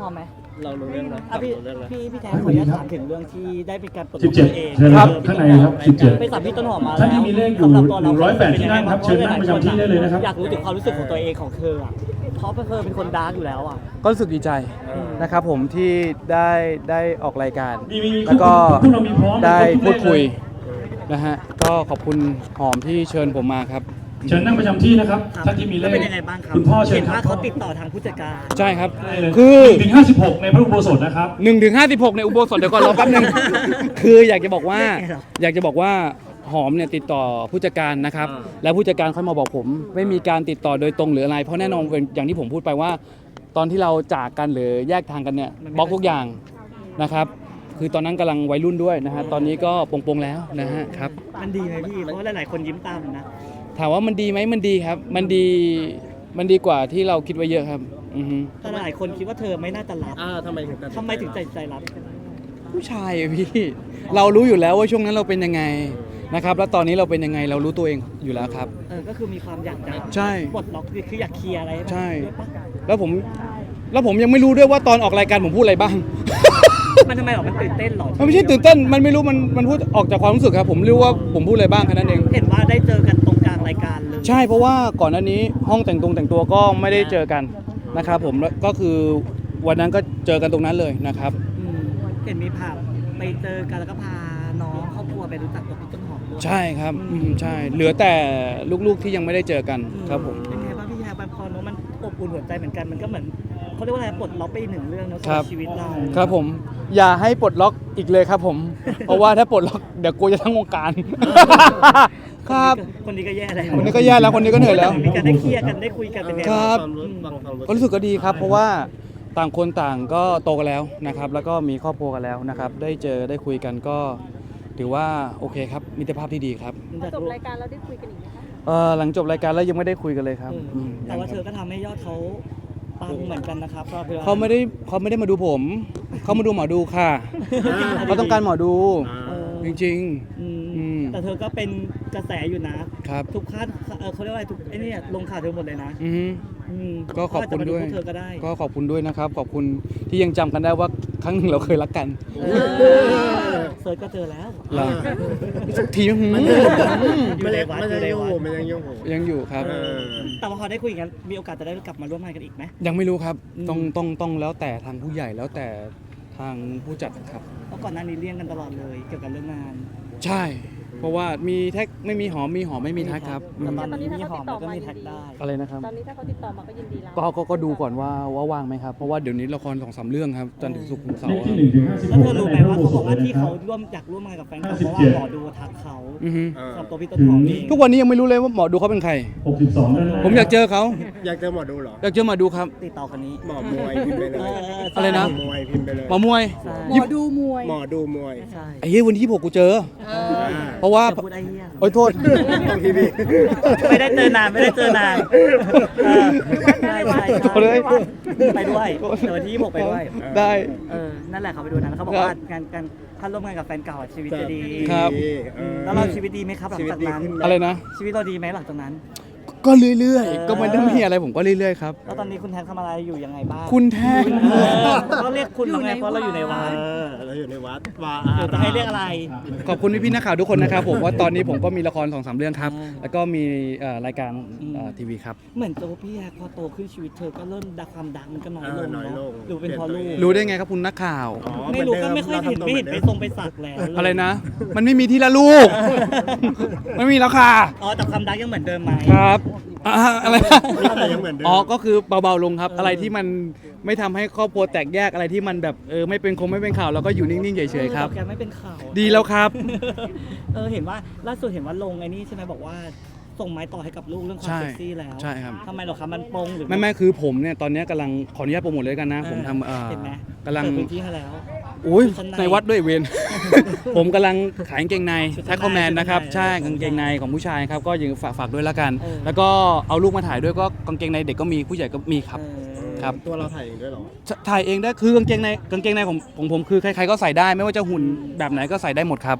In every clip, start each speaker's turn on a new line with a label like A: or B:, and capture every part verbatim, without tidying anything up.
A: อมไหม
B: เรารู้เรื่องแล้ว
A: อ่ะพี่
B: รู้เรื่องแล้ว
A: พี่พี่แทนขออนุญาตถามถึงเรื่องที่ได้เป็นการปลด
C: สิ
A: ล็อบ ก
C: เจ็ด
A: ตัวเอง
C: เชิญครับข้างในครับสิบเจ็ด
A: ไปสัมพี่ต้นหอมมา
C: ท่าน
A: แล้ว
C: ที่มีเลขอยู่
A: สำหรับตัวเรา
C: หนึ่งร้อยแปดที่นั่งครับเชิญนั่งประจำที่ได้เลยนะครับ
A: อยากรู้ถึงความรู้สึกของตัวเองของเธออ่ะเพราะเธอเป็นคนดาร์กอยู่แล้วอ่ะ
D: ก็รู้สึกดีใจนะครับผมที่ได้ได้ออกรายการ
C: มีมีมี
D: แล้วก็
C: พวกเรามีพร้อม
D: ได้พูดคุย
C: เลย
D: นะฮะก็ขอบคุณหอมที่เชิญผมมาครับ
C: เชิญนั่งประจำที่นะครับท่านที่มีเล
A: แล้ว
C: ข
A: เป็นยังไงบ้างครับ
C: คุณพ่อเชิญ
A: เห็น
C: ครั
A: ว่า
C: บ
A: เขาติดต่อทางผู้จัดการ
D: ใช่ครับ
C: ได้เลย
D: คือ
C: หนึ่งถึงห้าสิบหกในพระอุโบสถนะครับ
D: หนึ่งถึงห้าสิบหกในอุโบสถเดี๋ยวก่อนรอแป๊บนึง คืออยากจะบอกว่าอยากจะบอกว่าหอมเนี่ยติดต่อผู้จัดการนะครับแล้วผู้จัดการค่อยมาบอกผม ไม่มีการติดต่อโดยตรงหรืออะไรเพราะแน่นอนเป็นอย่างที่ผมพูดไปว่า ตอนที่เราจากกันหรือแยกทางกันเนี่ยบล็อกทุกอย่างนะครับคือตอนนั้นกำลังวัยรุ่นด้วยนะฮะตอนนี้ก็ปลงๆแล้วนะฮะครับ
A: มันดีไหมพี่เพราะว่าหลายๆคนยิ้มตามนะ
D: ถามว่ามันดีไหมมันดีครับ มันดีมันดีกว่าที่เราคิดไว้เยอะครับอือฮึ
A: แต่หลายคนคิดว่าเธอไม่น่าจะรับ
B: อ่าทำไมถึงตัด
A: ทำไมถึงใจใจรับ
D: ผู้ชายอะพี่ เรารู้อยู่แล้วว่าช่วงนั้นเราเป็นยังไงนะครับแล้วตอนนี้เราเป็นยังไงเรารู้ตัวเองอยู่แล้วครับ
A: เออก็คือมีความอยากจะ
D: ใช่
A: ปลดล็อกคืออยากเคลียร์อะไรห้มัน
D: ใช่
A: ด้วยปะ
D: แล้วผมแล้วผมยังไม่รู้ด้วยว่าตอนออกรายการผมพูดอะไรบ้าง
A: มันทำไมหรอมันตื่นเต้นหรอ
D: มันไม่ใช่ตื่นเต้นมันไม่รู้มันมันพูดออกจากความรู้สึกครับผมรู้ว่าผมพูดอะไรบ้างแค่นั้นเอง
A: เห็นว่าได้เจอกันตรงกลางรายการเลย
D: ใช่เพราะว่าก่อนหน้านี้ห้องแต่งตรงแต่งตัวก็ไม่ได้เจอกันนะครับผมแล้วก็คือวันนั้นก็เจอกันตรงนั้นเลยนะครับ
A: อืมเห็นมีภาพไปเจอกันแล้วก็พาน้องครอบครัวไปรู้จักกับพี่ต้นหอมด้วย
D: ใช่ครับอืมใช่เหลือแต่ลูกๆที่ยังไม่ได้เจอกันครับผม
A: เป็นไงบ้างพี่แฮร์บันพอเนอะมันอบอุ่นหัวใจเหมือนกันมันก็เหมือนเขาเรียกว่าอะไรปลดล็อกไปอีกหนึ่งเรื่องเนอะ
D: ครับ
A: สำหชีวิตเรา
D: ครับผมอย่าให้ปลดล็อกอีกเลยครับผม เพราะว่าถ้าปลดล็อกเดี๋ยวกูจะทั้งวงการ ครับ
A: คนนี้ก็แย่แล้ว
D: คนนี้ก็แย่แล้วคนนี้ก็เหนื่อยแล้ว
A: มีการได้เคลียร์กันได้คุยกันเป็นไง
D: ครับ
B: ความรู้ฟังความรู้
D: ก็รู้สึกก็ดีครับ เพราะว่าต่างคนต่างก็โตกันแล้วนะครับ แล้วก็มีครอบครัวกันแล้วนะครับ ได้เจอได้คุยกันก็ถือว่าโอเคครับมิตรภาพที่ดีครับ
E: จบรายการเราได้คุยกันอีกไหมคะ
D: เอ่อหลังจบรายการแล้วยังไม่ได้คุยกันเลยครับ
A: เออ
D: ม
A: แต่ว่าเธอก็ทำให้ยอดเขาปังเหมือนกันนะครับ
D: เขาไม่ได้เขาไม่ได้มาดูผม เขามาดูหมอดูค่ะ เขาต้องการหมอดู
A: เออ
D: จริง
A: อืม
D: อืม
A: แต่เธอก็เป็นกระแสอยู่นะ
D: ๆ ครับ
A: ทุกค่าเออเขาเรียกว่าอะไรทุกไอ้นี่ลงข่าวเธอหมดเลยนะ
D: อือฮึ
A: อืม
D: ก็ขอบคุณด้วย
A: เขาาจจะมาพกเธอก็ได้
D: ก็ขอบคุณด้วยนะครับ ขอบคุณที่ยังจำกันได้ว่าครั้งหนึ่งเราเคยรักกัน
A: เออเซิร์ชก็เจอแล้ว
D: เหรอสักทีหืม
A: อยู่ในวัด
B: มัน
A: อยู่
B: ยัง
A: ใน
B: ยุ่ง
A: วัด
B: หูมันยังยุ่งหู
D: ยังอยู่ครับ
B: เออ
A: แต่ว่าพอได้คุยกันมีโอกาสจะได้กลับมาร่วมงานกันอีกไหม
D: ยังไม่รู้ครับ
A: อืม
D: ต้องต้องต้องแล้วแต่ทางผู้ใหญ่แล้วแต่ทางผู้จัดครับ
A: เพราะก่อนหน้านี้เลี่ยงกันตลอดเลยเกี่ยวกับเรื่องงาน
D: ใช่ เพราะว่ามีแท็กไม่มีหอมมีหอมไม่มีแท็กครับอื
A: แต่
D: ม
A: ตอนนี้มีหอมแล้วก็มีแท็กได้
D: อะไรนะครับ
E: ตอนนี้ถ้าเขาติดต่อมาก็ยินดีรับ
D: ก็ก็ก็ดูก่อนว่าว่าว่างไหมครับ เพราะว่าเดี๋ยวนี้ละครสองสามเรื่องครับจันทร์ถึงศุกร์ถึงเสา
C: เลข
D: ร์
C: ที่หนึ่งถึงห้าสิบ
A: แล้ว
C: ห
A: เธ
C: ก
A: อรู้ไหมว่าเขาบอกว่าที่เขาร่วมอยากร่วมงานกับแฟนคลับเพราะว่าหมอดูทักเขา
D: อือฮึ
B: เออ
A: สำหรับตัวพี่ต้นหอมเอง
D: ทุกวันนี้ยังไม่รู้เลยว่าหมอดูเขาเป็นใคร
C: หกสิบสองด้านล่าง
D: ผมอยากเจอเขา
B: อยากเจอหมอดูเหรอ
D: อยากเจอหมอดูครับ
A: ติดต่อคนนี้
B: หมอมวยพิมพ์ไปเลย
D: อะไรนะ
B: หมอมวยพิมพ์ไปเลย
D: หมอมวย
A: ใช่
E: หมอดูมวย
B: หมอดูมวย
A: ใช่
D: ไอ้เหี้ยวันที่ยี่สิบหกกูเจอ เพราะว่า
A: จะพูดไอ้เหี้ย
D: โอ้ยโทษ
B: ต้องทีวี
A: ไม่ได้เจอนานไม่ได้เจอนานเออใช่ใช่
D: โทษเลย
A: ไปด้วยเดี๋ยววันที่ยี่สิบหกไปด้วย
D: ได้
A: เออนั่นแหละเขาไปดูนะแล้วเขาบอกว่างานการถ้าร่วมงานกับแฟนเก่าอะชีวิตจะดี
D: ครับ
B: เออ
A: แล้วเราชีวิตดีไหมครับหลังจากนั้น
B: ชีวิตดีขึ้นหม
D: อะไรนะ
A: ชีวิตเราดีไหมหลังจากนั้น
D: ก็เรื่อย
A: เออ
D: ๆ ก็มันไม่มีอะไรผมก็เรื่อยๆครับ
A: แล้วตอนนี้คุณแทนทำอะไรอยู่ยังไงบ้าง
D: คุณแท้ง
A: เออก็เรียกคุณแล้วไงเพราะเราอยู่ในวัด
B: เออเราอยู่ในวัดวา
A: เดี๋ยวจะให้เรียกอะไร
D: ขอบคุณพี่ๆนักข่าวทุกคนนะครับผมว่าตอนนี้ผมก็มีละครสองสามเรื่องครับ
A: อ่า
D: แล้วก็มีเอ่อรายการ
A: อืม
D: เอ่อทีวีครับ
A: เหมือนตัวพี่แฮกพอโตขึ้นชีวิตเธอก็เริ่มดักความดังมันก็น้อย
B: เอ
A: ล
B: อง น้อยล
A: เนาะ
B: ง
A: หรือเป็นเพราะลูก
D: รู้ได้ไงครับคุณนักข่าว
B: อ๋อ
A: ไม่รู้
B: ห
A: ก็
B: อนดิ
A: ไม่ค่อยเห็น
B: รา
A: ไม่เห็น
B: ทำ
A: ไป
B: ตัว
A: ทรงไปสักแล้วเลย
D: อะไรนะ มันไม่มีที่ละลูก ไม่มีแล้วค่ะ
A: อ๋อแต่ความดังยังเหมือนเดิมไหม
D: ครับอ่าอะไรนะ
B: แต่ยังเหมือนเดิม
D: อ๋อก็คือเบาๆลงครับ อะไรที่มันไม่ทำให้ครอบครัวแตกแยกอะไรที่มันแบบเออไม่เป็นคงไม่เป็นข่าวเราก็อยู่นิ่งๆเฉยๆครับ
A: ออแต่แกไม่เป็นข่าว
D: ดีแล้วครับ
A: เออเห็นว่าล่าสุดเห็นว่าลงไอ้นี่ใช่ไหมบอกว่าส่งไม้ต่อให้กับลูกเรื่องความ
D: ใช่
A: เซ็กซี่แล้ว
D: ใช่ครับ
A: ทำไมเหรอครับมันปรงหรือ
D: ไม่ไม่คือผมเนี่ยตอนนี้กำลังขออนุญาตโปรโมทเลยกันนะ ผมทำเอ่อ
A: เห็นไหม
D: กำลัง
A: เปิดพื้นที่ให้แล้ว
D: อุ้ย
A: ชั้นใน
D: ในวัดด้วยเวร ผมกำลังขายกางเกงใน
A: ชุดชั้
D: แท็
A: น
D: ก
A: ใน
D: คอมแมนนะครับ
A: ชุดชั้
D: ใช่
A: นใน
D: กางเกงในของผู้ชายครับ ก็ยังฝากฝากด้วยละกัน
A: เออ
D: แล้วก็เอาลูกมาถ่ายด้วยก็กางเกงในเด็กก็มีผู้ใหญ่ก็มีครับ
A: เออ
D: ครับ
B: ตัวเราถ่ายเองด้วยเหรอ
D: ถ่ายเองได้คือกางเกงในกางเกงในของของผมคือใครๆก็ใส่ได้ ไม่ว่าจะหุ่นแบบไหนก็ใส่ได้หมดครับ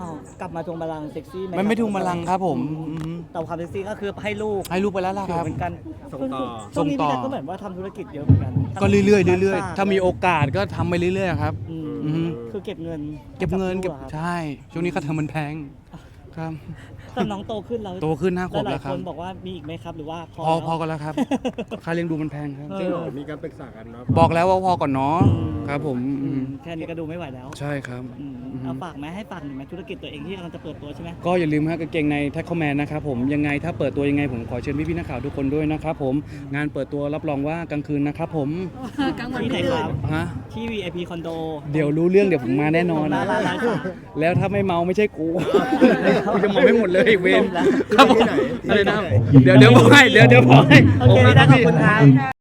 A: อ้าวกลับมาทวงบัลลังก์เซ็กซี่ไหม
D: มันไม่ทุ่งบัลลังก์ครับผม
A: อื
D: อืม
A: แต่ความเซ็กซี่ก็คือให้ลูก
D: ให้ลูกไปแล้วล่ะ
A: ถื
D: ค
A: อ
D: รับ
A: เหมือนกัน
B: ส่งต่อ
A: ช่วงนี้
D: ส่งต่
A: พี่
D: อ
A: แดนก็เหมือนว่าทำธุรกิจเยอะเหมือนกัน
D: ก็เรื่อยๆเรื่อย
A: ฝก
D: ๆถ้ามีโอกาสก็ทำไปเรื่อยๆครับ
A: อืม
D: อือฮึ
A: คือเก็บเงิน
D: เก็บเงินเก็บ
A: ให้ลูหรอครับ
D: ใช่ ช่วงนี้ค่าเทอมมันแพงครับ
A: แต่น้องโตขึ้นแล้ว
D: โตขึ้นห้าขวบ
A: ห
D: แล้
A: ลา
D: วย ครั
A: ๆค
D: บ
A: นบอกว่ามีอีกไหมครับหรือว่าพอ
D: พอ
A: แล้ว
D: พอกันแล้วครับ ค่าเลี้ยงดูมันแพงครับ
A: เออ
B: จริงเหรอมีการปรึกษากันเนาะ
D: บอกแล้วว่าพอก่อนเนาะครับผม
A: อื
D: อื
A: ม
D: ม
A: แค่นี้ก็ดูไม่ไหวแล้ว
D: ใช่ครับ
A: อืม
D: อือฮึ
A: เอาฝากไหมให้ฝากหน่อยไหมธุรกิจตัวเองที่กำลังจะเปิดตัวใช่ไหม
D: ก็อย่าลืมฮะกางเกงในแท็กคอมแมนนะครับผมยังไงถ้าเปิดตัวยังไงผมขอเชิญพี่พี่ๆนักข่าวทุกคนด้วยนะครับผมงานเปิดตัวรับรองว่ากลางคืนนะครับผม
A: ที่ไหนครับ
D: ฮะ
A: ที่ วี ไอ พี คอนโด
D: เดี๋ยวรู้เรื่องเดี๋ยวผมมาแน่นอน
A: ร้า
D: นะ
A: นร้านร้านค่ะ
D: แล้วถ้าไม่เมาไม่ใช่กูกูจะเมาไม่หมดเลยเวร
A: จบแล้ว
D: ครับผมอะไรนะเดี๋ยวเดี๋ยวบอกให้เดี๋ยวเดี๋ยวบอกให้
A: โอเคได้ขอบคุณครับ